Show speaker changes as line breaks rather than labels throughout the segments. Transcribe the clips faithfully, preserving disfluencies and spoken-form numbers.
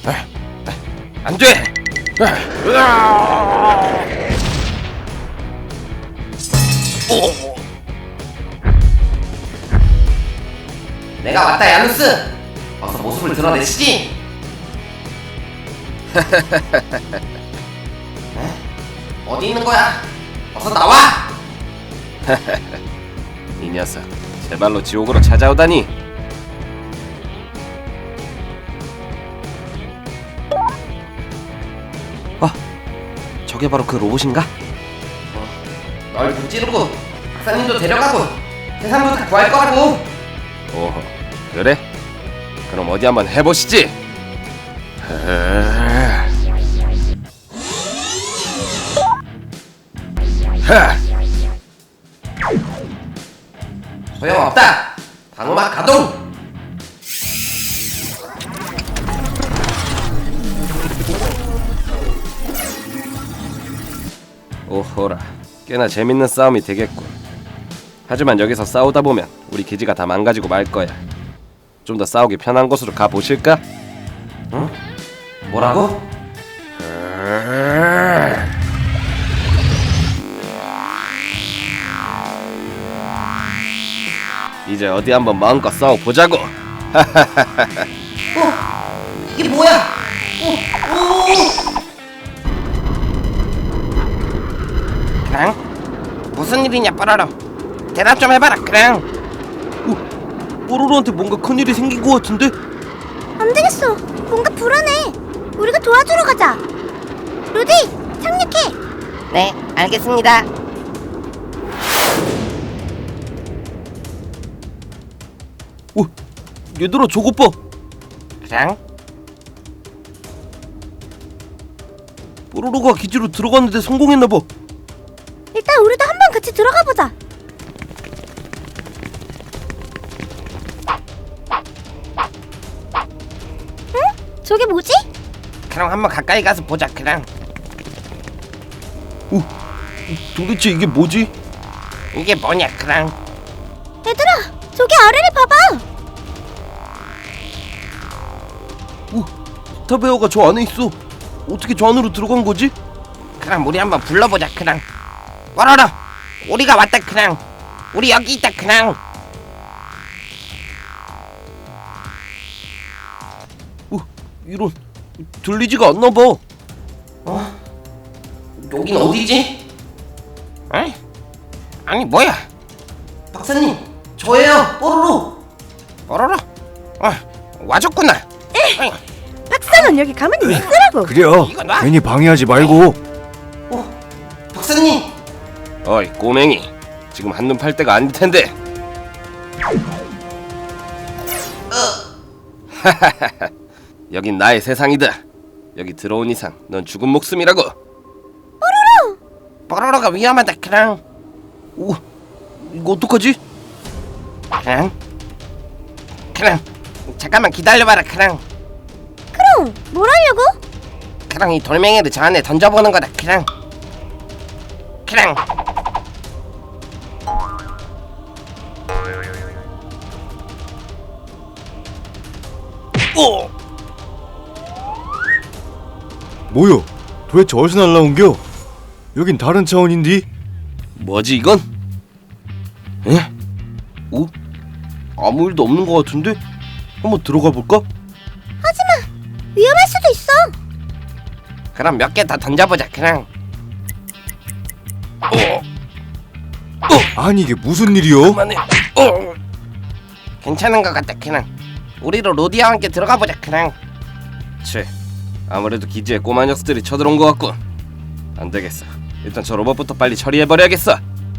안 돼! 오. 내가 왔다, 야누스! 어서 모습을 드러내시지! 어디 있는 거야? 어서 나와! 이 녀석, 제 발로 지옥으로 찾아오다니! 아, 저게 바로 그 로봇인가? 어, 널 무찌르고 박사님도 데려가고 세상도 다 구할 거라고! 오호, 그래? 그럼 어디 한번 해보시지! 하! 소용없다! 방어막 가동! 오호라, 꽤나 재밌는 싸움이 되겠군. 하지만 여기서 싸우다 보면 우리 기지가 다 망가지고 말 거야. 좀 더 싸우기 편한 곳으로 가보실까? 응? 뭐라고? 이제 어디 한번 마음껏 싸워보자고. 어? 이게 뭐야? 오, 오. 그랑? 무슨 일이냐 뽀로로? 대답 좀 해봐라 그랑. 오, 뽀로로한테 뭔가 큰일이 생긴 것 같은데?
안 되겠어. 뭔가 불안해. 우리가 도와주러 가자. 루디, 착륙해.
네, 알겠습니다.
오, 얘들아 저것 봐.
그랑?
뽀로로가 기지로 들어갔는데 성공했나 봐.
일단 우리도 한번 같이 들어가 보자. 응? 저게 뭐지?
그럼 한번 가까이 가서 보자 그랑.
오, 도대체 이게 뭐지?
이게 뭐냐 그랑.
얘들아, 저기 아래를 봐봐.
오, 스타베어가 저 안에 있어. 어떻게 저 안으로 들어간 거지?
그럼 우리 한번 불러보자 그랑. 뽀로로, 우리가 왔다 그랑. 우리 여기 있다 그랑.
오, 이런, 들리지가 않나 봐.
어? 여긴 어디지? 에? 아니 뭐야? 박사님, 저예요, 뽀로로. 뽀로로? 어, 와줬구나. 에?
박사는 여기 가만히 있으라고.
그래요.
이거 놔.
괜히 방해하지 말고.
어, 박사님.
어이 꼬맹이, 지금 한눈 팔 때가 아닐 텐데. 하하하하, 여긴 나의 세상이다. 여기 들어온 이상 넌 죽은 목숨이라고.
뽀로로가 위험하다 그랑.
오, 이거 어떡하지?
그랑. 그랑. 잠깐만 기다려봐라 그랑.
그럼 뭘 하려고?
그랑 이 돌멩이를 저 안에 던져보는 거다 그랑. 그랑.
오,
뭐요? 도대체 어디서 날라온겨? 여긴 다른 차원인디?
뭐지 이건? 에? 오, 아무 일도 없는 것 같은데? 한번 들어가 볼까?
위험할 수도 있어.
그럼 몇 개 더 던져보자 그랑.
어,
아니 이게 무슨 일이요?
그만해. 어,
괜찮은 것 같다 그랑. 우리도 로디아와 함께 들어가 보자 그랑.
채, 아무래도 기지에 꼬마 녀석들이 쳐들어온 것 같군. 안 되겠어. 일단 저 로봇부터 빨리 처리해버려야겠어.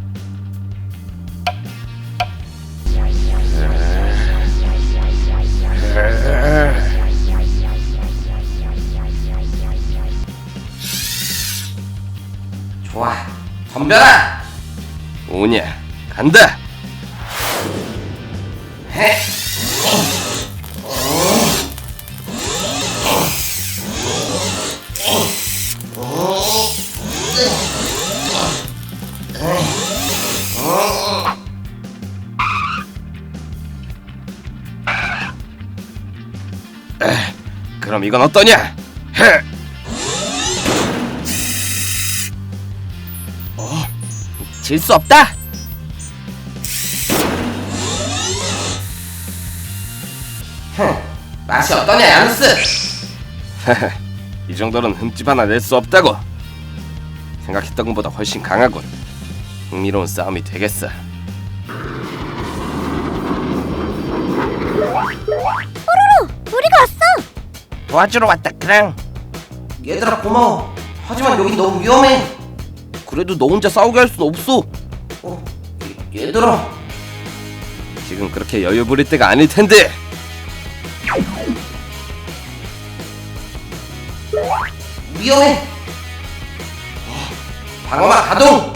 좋아, 덤벼라.
오냐, 간다.
해.
그럼 이건 어떠냐? 헤!
질 수 없다.
흥, 맛이 어떠냐, 야누스? 이 정도는 흠집 하나 낼 수 없다고. 생각했던 것보다 훨씬 강하군. 흥미로운 싸움이 되겠어.
우리가 왔어.
도와주러 왔다 그냥.
얘들아 고마워. 하지만 여기 너무 위험해. 그래도 너 혼자 싸우게 할 순 없어. 어, 얘, 얘들아. 지금 그렇게 여유 부릴 때가 아닐 텐데. 위험해. 방어막 가동.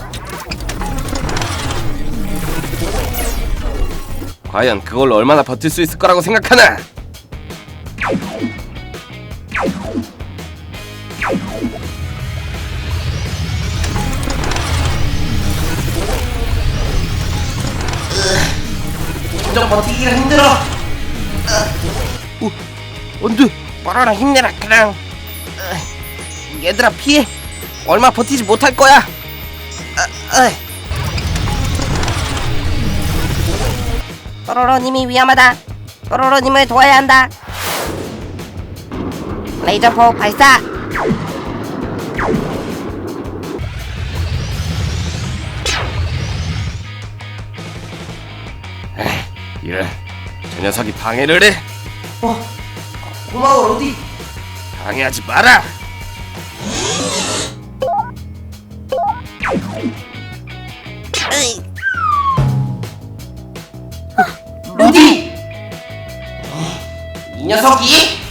과연 그걸로 얼마나 버틸 수 있을 거라고 생각하나? 점점 버티기가 힘들어.
어, 안돼. 뽀로로 힘내라 그냥. 으, 얘들아 피해. 얼마 버티지 못할 거야. 으, 으. 뽀로로님이 위험하다. 뽀로로님을 도와야 한다. 레이저포 발사.
이래, 저 녀석이 방해를 해.
어, 고마워 로디.
방해하지 마라.
으이.
루디! 이 녀석이